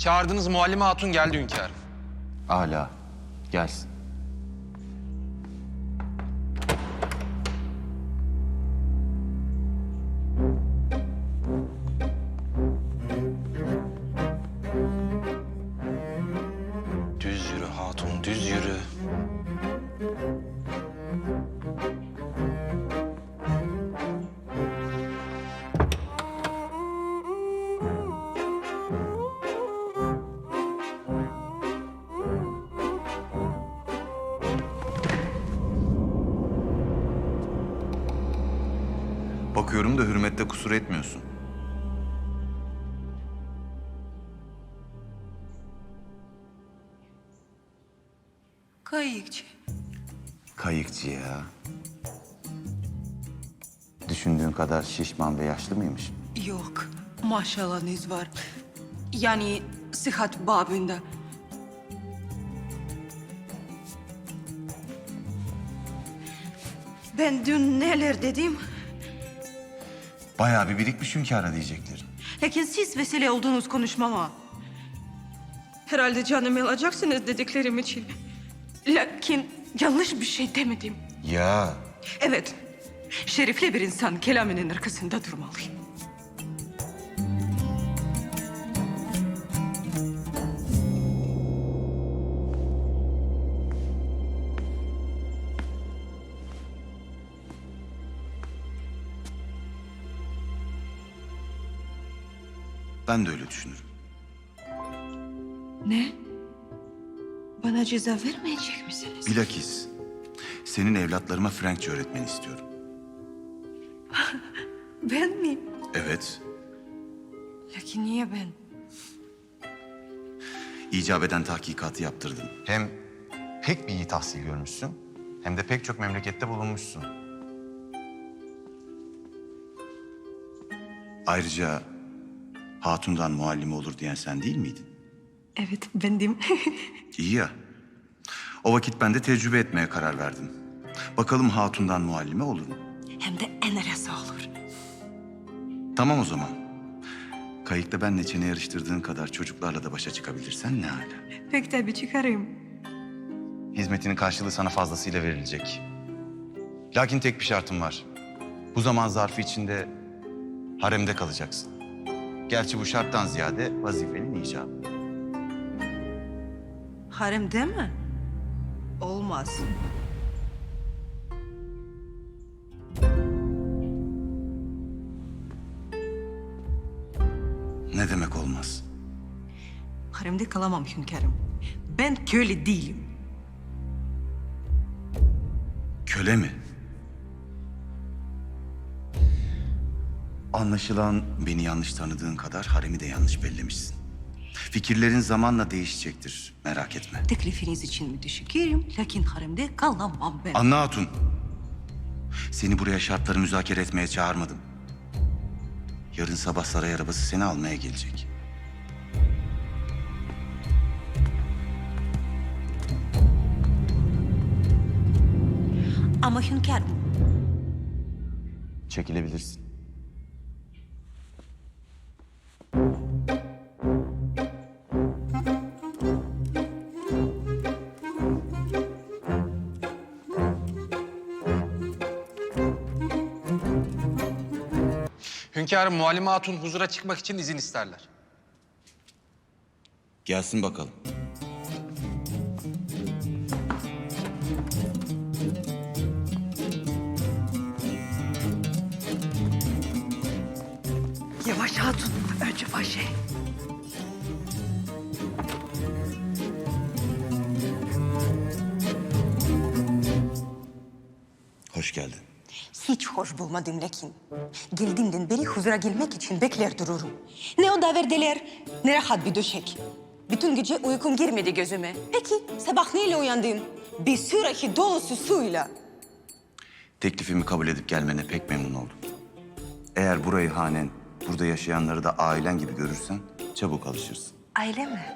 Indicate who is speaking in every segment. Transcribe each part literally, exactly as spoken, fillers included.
Speaker 1: Çağırdığınız Muallime Hatun geldi hünkârım.
Speaker 2: Âlâ. Gelsin.
Speaker 1: Düz yürü hatun, düz yürü.
Speaker 2: Bakıyorum da hürmette kusur etmiyorsun.
Speaker 3: Kayıkçı.
Speaker 2: Kayıkçı ya. Düşündüğün kadar şişman ve yaşlı mıymış?
Speaker 3: Yok, maşallahınız var. Yani sıhhat babında. Ben dün neler dedim?
Speaker 2: Bayağı bir birikmiş hünkâra diyeceklerim.
Speaker 3: Lakin siz vesile olduğunuz konuşmama. Herhalde canımı alacaksınız dediklerim için. Lakin yanlış bir şey demedim.
Speaker 2: Ya.
Speaker 3: Evet, şerifli bir insan kelamının arkasında durmalı.
Speaker 2: Ben de öyle düşünürüm.
Speaker 3: Ne? Bana ceza vermeyecek misiniz?
Speaker 2: Bilakis senin evlatlarıma Frenkçe öğretmeni istiyorum.
Speaker 3: Ben mi?
Speaker 2: Evet.
Speaker 3: Lakin niye ben?
Speaker 2: İcap eden tahkikatı yaptırdım. Hem pek bir iyi tahsil görmüşsün, hem de pek çok memlekette bulunmuşsun. Ayrıca hatundan muallime olur diyen sen değil miydin?
Speaker 3: Evet, bendim.
Speaker 2: İyi ya. O vakit ben de tecrübe etmeye karar verdim. Bakalım hatundan muallime olur mu?
Speaker 3: Hem de en arası olur.
Speaker 2: Tamam o zaman. Kayıkta benle çene yarıştırdığın kadar çocuklarla da başa çıkabilirsen ne hala.
Speaker 3: Pek tabii çıkarım.
Speaker 2: Hizmetinin karşılığı sana fazlasıyla verilecek. Lakin tek bir şartım var. Bu zaman zarfı içinde haremde kalacaksın. Gerçi bu şarttan ziyade vazifenin icabı.
Speaker 3: Haremde mi? Olmaz.
Speaker 2: Ne demek olmaz?
Speaker 3: Haremde kalamam hünkârım. Ben köle değilim.
Speaker 2: Köle mi? Anlaşılan beni yanlış tanıdığın kadar haremi de yanlış bellemişsin. Fikirlerin zamanla değişecektir, merak etme.
Speaker 3: Teklifiniz için müteşekkirim. Lakin haremde kalamam ben.
Speaker 2: Anna Hatun, seni buraya şartları müzakere etmeye çağırmadım. Yarın sabah saray arabası seni almaya gelecek.
Speaker 3: Ama hünkârım,
Speaker 2: Çekilebilirsin.
Speaker 1: Hünkârım Muallime Hatun huzura çıkmak için izin isterler.
Speaker 2: Gelsin bakalım.
Speaker 3: yavaş hatun. Önce başı.
Speaker 2: Hoş geldin.
Speaker 3: Hiç hoş bulmadım lakin. Geldiğimden beri huzura gelmek için bekler dururum. Ne o daverdeler, ne rahat bir döşek. Bütün gece uykum girmedi gözüme. Peki sabah neyle uyandın? Bir sürahi dolusu suyla.
Speaker 2: Teklifimi kabul edip gelmene pek memnun oldum. Eğer burayı hanen, burada yaşayanları da ailen gibi görürsen çabuk alışırsın.
Speaker 3: Aile mi?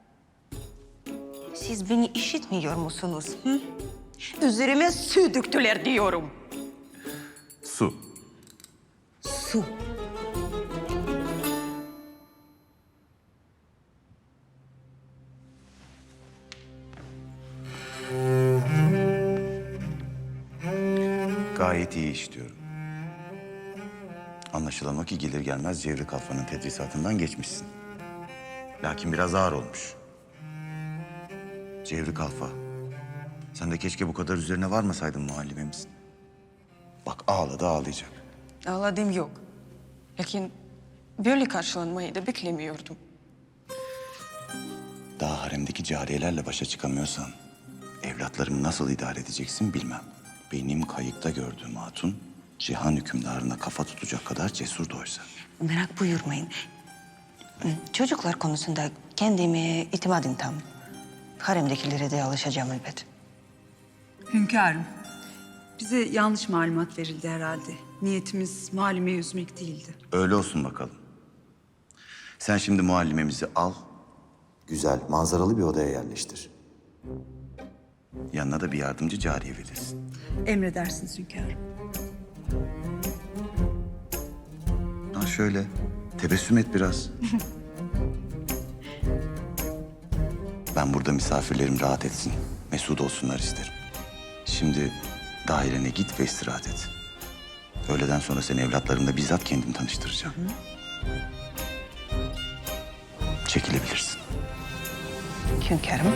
Speaker 3: Siz beni işitmiyor musunuz? Hı? Üzerime su döktüler diyorum.
Speaker 2: Su.
Speaker 3: Su.
Speaker 2: Gayet iyi işliyorum. Anlaşılan o ki gelir gelmez Cevri Kalfa'nın tedrisatından geçmişsin. Lakin biraz ağır olmuş. Cevri Kalfa, sen de keşke bu kadar üzerine varmasaydın muallimemizin. Bak ağladı ağlayacak.
Speaker 3: Ağladığım yok. Lakin böyle karşılanmayı da beklemiyordum.
Speaker 2: Daha haremdeki cariyelerle başa çıkamıyorsan evlatlarımı nasıl idare edeceksin bilmem. Benim kayıkta gördüğüm hatun cihan hükümdarına kafa tutacak kadar cesurdu oysa.
Speaker 3: Merak buyurmayın. Çocuklar konusunda kendime itimadım tam. Haremdekilere de alışacağım elbet.
Speaker 4: Hünkârım, bize yanlış malumat verildi herhalde. Niyetimiz muallimeyi üzmek değildi.
Speaker 2: Öyle olsun bakalım. Sen şimdi muallimemizi al, güzel manzaralı bir odaya yerleştir. Yanına da bir yardımcı cariye verirsin.
Speaker 4: Emredersiniz hünkârım.
Speaker 2: Ha şöyle, tebessüm et biraz. Ben burada misafirlerim rahat etsin, mesut olsunlar isterim. Şimdi dairene git ve istirahat et. Öğleden sonra seni evlatlarımla bizzat kendim tanıştıracağım. Çekilebilirsin.
Speaker 3: Hünkârım.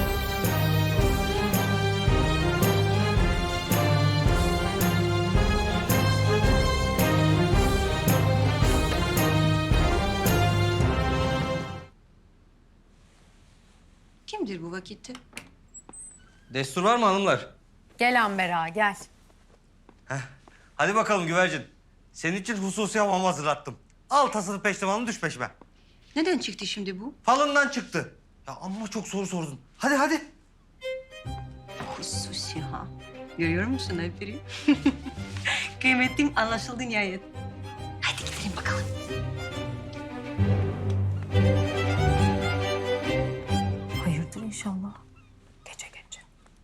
Speaker 3: Kimdir bu vakitte?
Speaker 5: Destur var mı hanımlar?
Speaker 6: Gel Amber ağa, gel.
Speaker 5: Hadi bakalım güvercin. Senin için hususi hamam hazırlattım. Al tasını peştemalını düş peşime.
Speaker 3: Neden çıktı şimdi bu?
Speaker 5: Falından çıktı. Ya amma çok soru sordun. Hadi hadi.
Speaker 3: Hususi ha. Görüyor musun Alper'i? Kıymetlim anlaşıldı nihayet. Hadi gidelim bakalım.
Speaker 6: Hayırdır inşallah. Gece gece.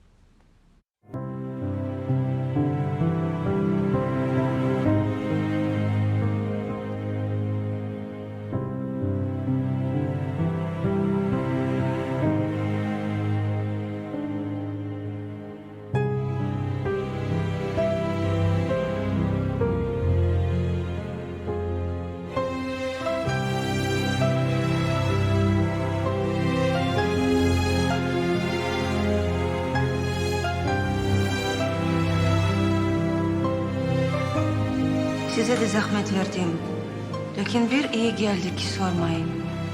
Speaker 3: Size de zahmet verdim. Lakin bir iyi geldi ki sormayın.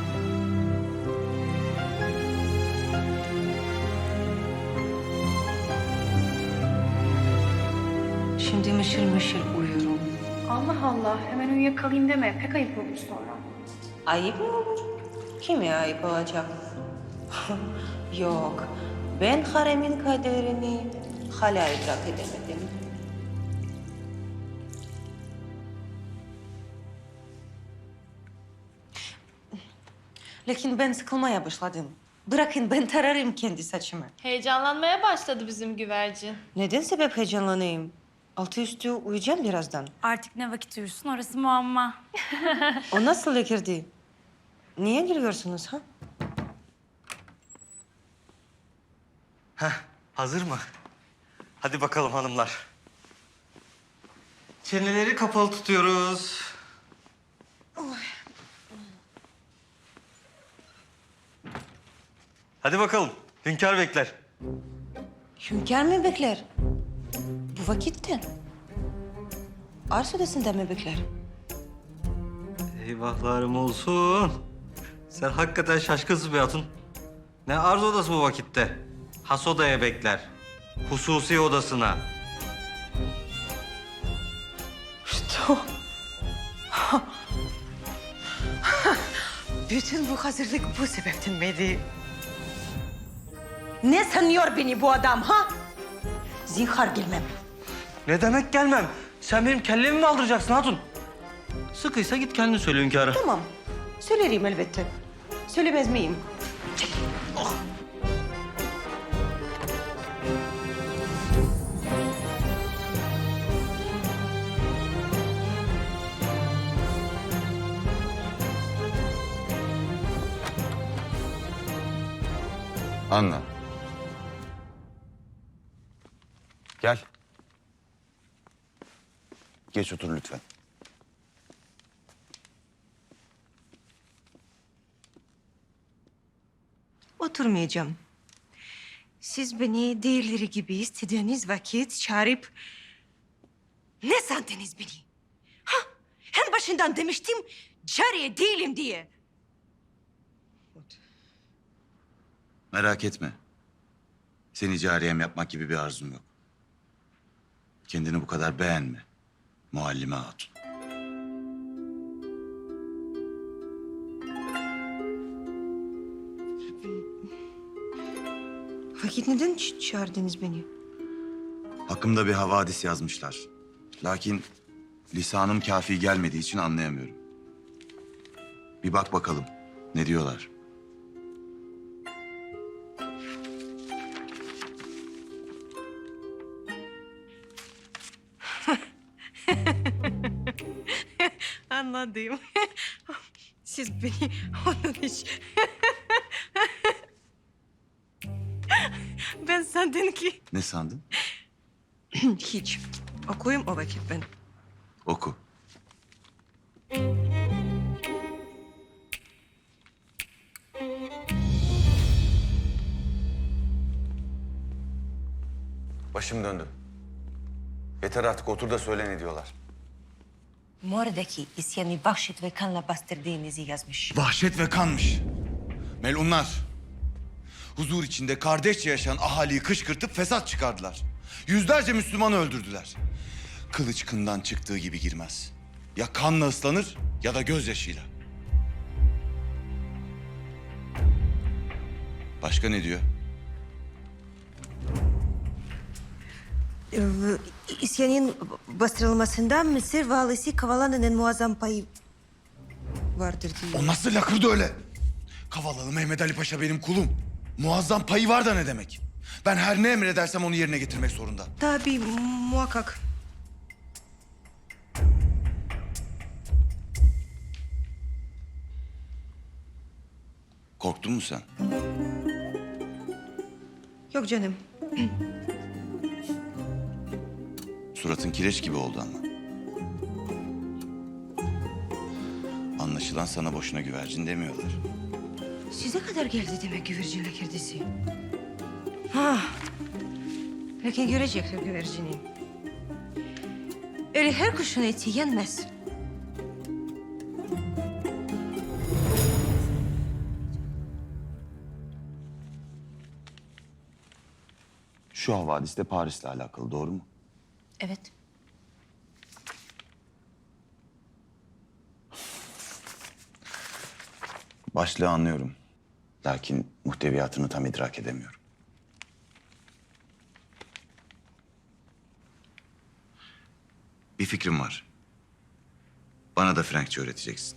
Speaker 3: Şimdi mışıl mışıl uyurum.
Speaker 7: Allah Allah, hemen uyuyakalayım deme. Pek ayıp olur sonra.
Speaker 3: Ayıp mı olur? Kime ayıp olacak? Yok, ben haremin kaderini hala idrak edemedim. Lakin ben sıkılmaya başladım. Bırakın ben tararım kendi saçımı.
Speaker 7: Heyecanlanmaya başladı bizim güvercin.
Speaker 3: Neden sebep heyecanlanayım? Altı üstü uyuyacağım birazdan.
Speaker 6: Artık ne vakit uyursun orası muamma.
Speaker 3: O nasıl girdi? Niye giriyorsunuz ha?
Speaker 5: Heh, hazır mı? Hadi bakalım hanımlar. Çeneleri kapalı tutuyoruz. Hadi bakalım. Hünkâr bekler.
Speaker 3: Hünkâr mı bekler? Bu vakitte. Arz odasında mı bekler?
Speaker 5: Eyvahlarım olsun. Sen hakikaten şaşkınsın be hatun. Ne arz odası bu vakitte? Has odaya bekler. Hususi odasına.
Speaker 3: İşte o. Bütün bu hazırlık bu sebepten miydi? Ne sanıyor beni bu adam ha? Zinhar gelmem.
Speaker 5: Ne demek gelmem? Sen benim kellemi mi aldıracaksın hatun? Sıkıysa git kendin söyle hünkâra.
Speaker 3: Tamam, söylerim elbette. Söylemez miyim?
Speaker 2: Anla. Gel. Geç otur lütfen.
Speaker 3: Oturmayacağım. Siz beni diğerleri gibi istediğiniz vakit çağırıp... Ne sandınız beni? Ha? En başından demiştim cariye değilim diye.
Speaker 2: Merak etme. Seni cariyem yapmak gibi bir arzum yok. Kendini bu kadar beğenme. Muallime hatun.
Speaker 3: Vakit neden ç- çağırdınız beni?
Speaker 2: Hakkımda bir havadis yazmışlar. Lakin lisanım kafi gelmediği için anlayamıyorum. Bir bak bakalım. Ne diyorlar?
Speaker 3: Anladım. Siz beni onun için... Ben sandım ki...
Speaker 2: Ne sandın?
Speaker 3: Hiç. Okuyayım o vakit ben.
Speaker 2: Oku. Başım döndü. Yeter artık, otur da söyle ne diyorlar.
Speaker 3: Moradaki isyanı vahşet ve kanla bastırdığınızı yazmış.
Speaker 2: Vahşet ve kanmış. Melunlar. Huzur içinde kardeşçe yaşayan ahaliyi kışkırtıp fesat çıkardılar. Yüzlerce Müslümanı öldürdüler. Kılıç kından çıktığı gibi girmez. Ya kanla ıslanır ya da gözyaşıyla. Başka ne diyor?
Speaker 3: Ee, isyanın bastırılmasında Mısır valisi Kavala'nın muazzam payı vardır diyor.
Speaker 2: O nasıl lakırdı öyle? Kavalalı Mehmet Ali Paşa benim kulum. Muazzam payı var da ne demek? Ben her ne emredersem onu yerine getirmek zorunda.
Speaker 3: Tabii muhakkak.
Speaker 2: Korktun mu sen?
Speaker 3: Yok canım.
Speaker 2: Suratın kireç gibi oldu ama. Anlaşılan sana boşuna güvercin demiyorlar.
Speaker 3: Size kadar geldi demek güvercin lakirdisi. Ha. Lakin görecekler güvercini. Öyle her kuşun eti yenmez.
Speaker 2: Şu havadis de Paris'le alakalı, doğru mu?
Speaker 3: Evet.
Speaker 2: Başlığı anlıyorum. Lakin muhteviyatını tam idrak edemiyorum. Bir fikrim var. Bana da Frenkçe öğreteceksin.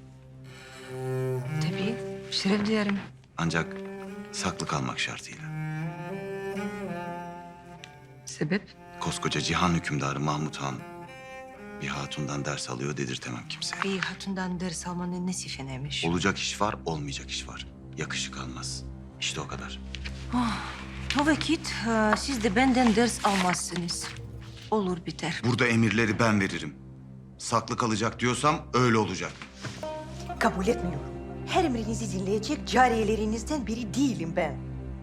Speaker 3: Tabii. Şeref duyarım.
Speaker 2: Ancak saklı kalmak şartıyla.
Speaker 3: Sebep?
Speaker 2: Koskoca cihan hükümdarı Mahmut Han bir hatundan ders alıyor dedirtemem kimseye.
Speaker 3: Bir hatundan ders almanın nesi fenaymış?
Speaker 2: Olacak iş var, olmayacak iş var. Yakışık almaz. İşte o kadar.
Speaker 3: O vakit e, siz de benden ders almazsınız. Olur biter.
Speaker 2: Burada emirleri ben veririm. Saklı kalacak diyorsam öyle olacak.
Speaker 3: Kabul etmiyorum. Her emrinizi dinleyecek cariyelerinizden biri değilim ben.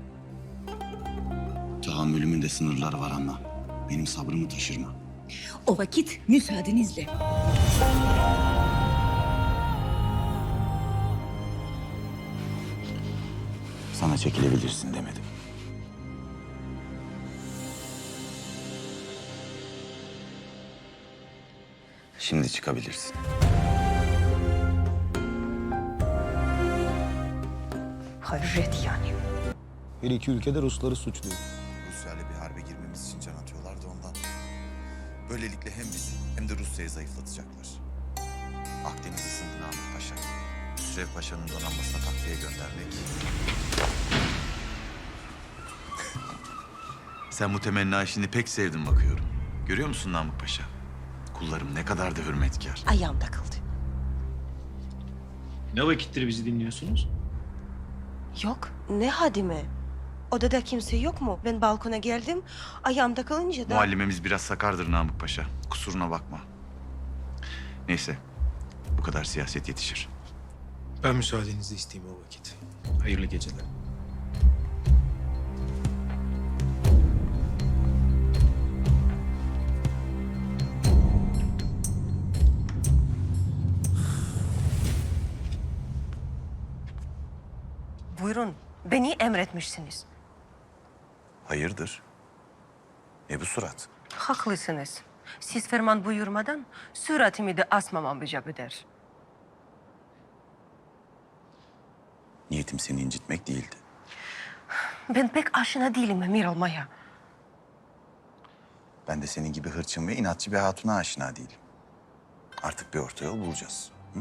Speaker 2: Tahammülümün de sınırları var Anna. Benim sabrımı taşırma.
Speaker 4: O vakit müsaadenizle.
Speaker 2: Sana çekilebilirsin demedim. Şimdi çıkabilirsin.
Speaker 3: Hayret yani.
Speaker 8: Her iki ülke de Rusları suçluyor.
Speaker 2: Rusya'yla bir harbe girmemiz için can atıyorlar da ondan. Böylelikle hem bizi hem de Rusya'yı zayıflatacaklar. Akdeniz ısındı Namık Paşa. Hüsrev Paşa'nın donanmasına takviye göndermek. Sen bu temenna işini pek sevdin bakıyorum. Görüyor musun Namık Paşa? Kullarım ne kadar da hürmetkar.
Speaker 3: Ayağım takıldı.
Speaker 8: Ne vakittir bizi dinliyorsunuz?
Speaker 3: Yok. Ne hadime? Odada kimse yok mu? Ben balkona geldim. Ayağım takılınca da...
Speaker 2: Muallimemiz biraz sakardır Namık Paşa. Kusuruna bakma. Neyse, bu kadar siyaset yetişir.
Speaker 8: Ben müsaadenizi isteyeyim o vakit. Hayırlı geceler.
Speaker 3: Buyurun, beni emretmişsiniz.
Speaker 2: Hayırdır? Ne bu surat?
Speaker 3: Haklısınız. Siz ferman buyurmadan suratımı da asmamam icap eder.
Speaker 2: Niyetim seni incitmek değildi.
Speaker 3: Ben pek aşina değilim emir olmaya.
Speaker 2: Ben de senin gibi hırçın ve inatçı bir hatuna aşina değilim. Artık bir orta yol bulacağız. Hı?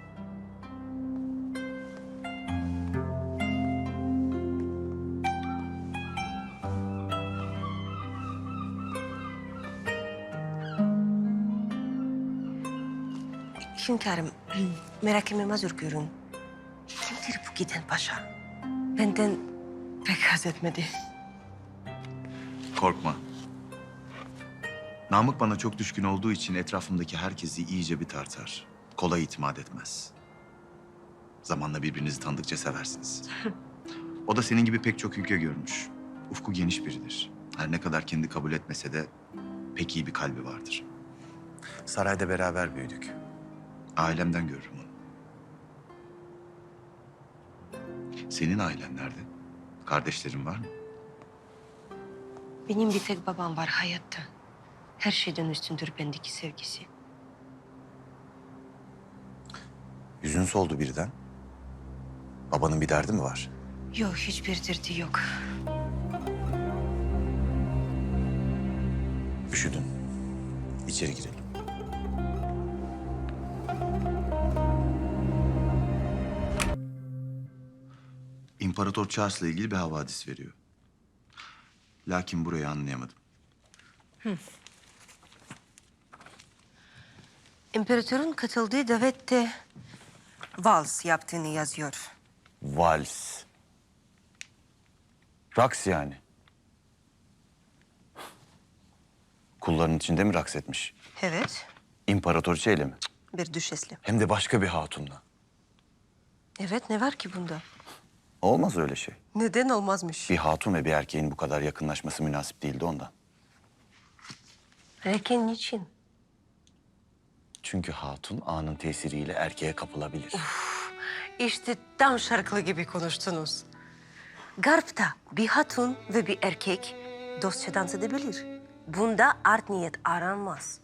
Speaker 3: Hünkârım, merakımı mazur görün. Kimdir bu giden paşa? Benden pek haz etmedi.
Speaker 2: Korkma. Namık bana çok düşkün olduğu için etrafımdaki herkesi iyice bir tartar. Kolay itimat etmez. Zamanla birbirinizi tanıdıkça seversiniz. O da senin gibi pek çok ülke görmüş. Ufku geniş biridir. Her ne kadar kendi kabul etmese de pek iyi bir kalbi vardır. Sarayda beraber büyüdük. Ailemden görürüm onu. Senin ailen nerede? Kardeşlerin var mı?
Speaker 3: Benim bir tek babam var hayatta. Her şeyden üstündür bendeki sevgisi.
Speaker 2: Yüzün soldu birden. Babanın bir derdi mi var?
Speaker 3: Yok, hiçbir derdi yok.
Speaker 2: Üşüdün. İçeri girelim. İmparator Charles'la ilgili bir havadis veriyor. Lakin burayı anlayamadım.
Speaker 3: İmparatorun katıldığı davette vals yaptığını yazıyor.
Speaker 2: Vals. Raks yani. Kulların içinde mi raks etmiş?
Speaker 3: Evet,
Speaker 2: İmparatoriçeyle mi?
Speaker 3: bir düşesle.
Speaker 2: Hem de başka bir hatunla.
Speaker 3: Evet, ne var ki bunda?
Speaker 2: Olmaz öyle şey.
Speaker 3: Neden olmazmış?
Speaker 2: Bir hatun ve bir erkeğin bu kadar yakınlaşması münasip değildi ondan.
Speaker 3: Erken niçin?
Speaker 2: Çünkü hatun anın tesiriyle erkeğe kapılabilir.
Speaker 3: İşte tam şarkılı gibi konuştunuz. Garp'ta bir hatun ve bir erkek dostça dans edebilir. Bunda art niyet aranmaz.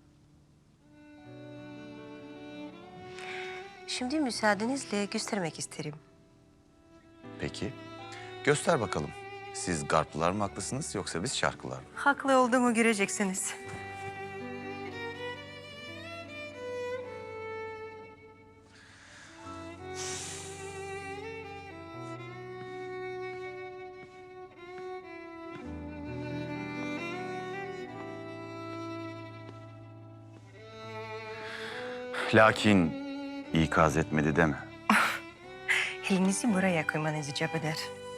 Speaker 3: Şimdi müsaadenizle göstermek isterim.
Speaker 2: Peki. Göster bakalım. Siz Garplılar mı haklısınız yoksa biz Şarklılar mı?
Speaker 3: Haklı olduğumu göreceksiniz.
Speaker 2: Lakin ikaz etmedi deme.
Speaker 3: Elinizi buraya koymanız icap eder.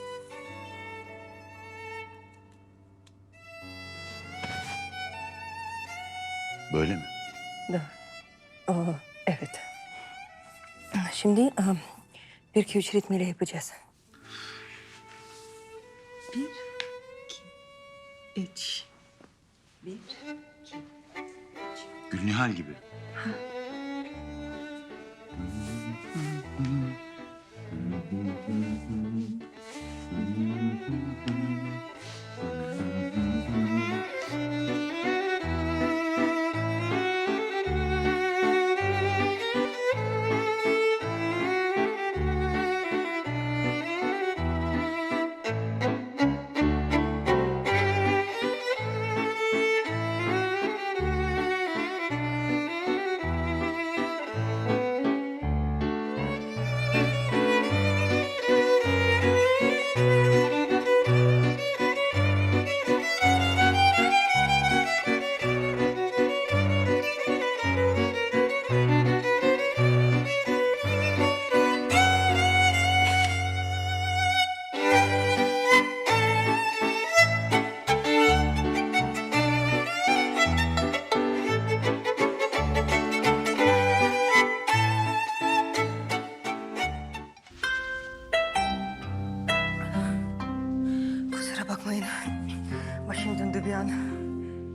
Speaker 2: Böyle mi?
Speaker 3: Da. Aa, evet. Şimdi um, bir iki üç ritmiyle yapacağız. Bir, iki, üç. Bir, iki.
Speaker 2: Gülnihal gibi.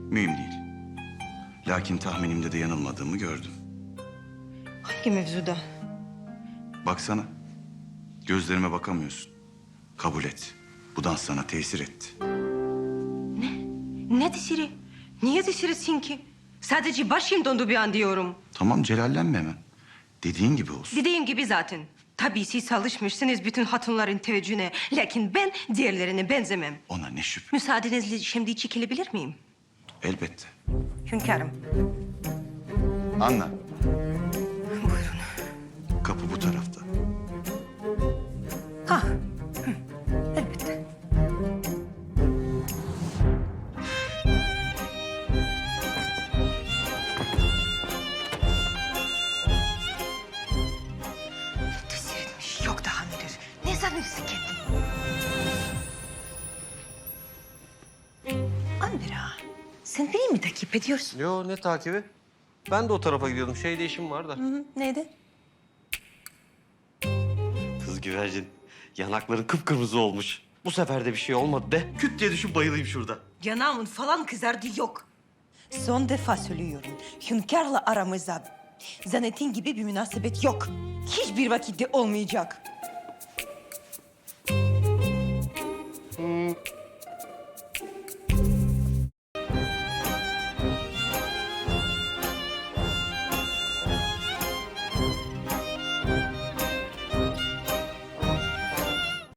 Speaker 2: Mühim değil. Lakin tahminimde de yanılmadığımı gördüm.
Speaker 3: Hangi mevzuda?
Speaker 2: Baksana. Gözlerime bakamıyorsun. Kabul et. Bu dans sana tesir etti.
Speaker 3: Ne tesiri? Niye tesir etsin ki? Sadece başım dondu bir an diyorum.
Speaker 2: Tamam, celallenme hemen. Dediğin gibi olsun.
Speaker 3: Dediğim gibi zaten. Tabii siz alışmışsınız bütün hatunların teveccühüne. Lakin ben diğerlerine benzemem.
Speaker 2: Ona ne şüphe.
Speaker 3: Müsaadenizle şimdi çekilebilir miyim?
Speaker 2: Elbette.
Speaker 3: Hünkârım.
Speaker 2: Anla.
Speaker 3: Buyurun.
Speaker 2: Kapı bu tarafta.
Speaker 3: Ha. Hı. Elbette. Tesir etmiş. Yok daha nedir? Ne sanırsın kendini? Amira, sen beni mi takip ediyorsun?
Speaker 5: Yo, ne takibi? Ben de o tarafa gidiyordum. Şeyde işim var da.
Speaker 3: Hı, neydi?
Speaker 5: Kız güvercin, yanakların kıpkırmızı olmuş. Bu sefer de bir şey olmadı de. Küt diye düşüp bayılayım şurada.
Speaker 3: Yanağımın falan kızardı yok. Son defa söylüyorum. Hünkârla aramızda zannettiğin gibi bir münasebet yok. Hiçbir vakitte olmayacak.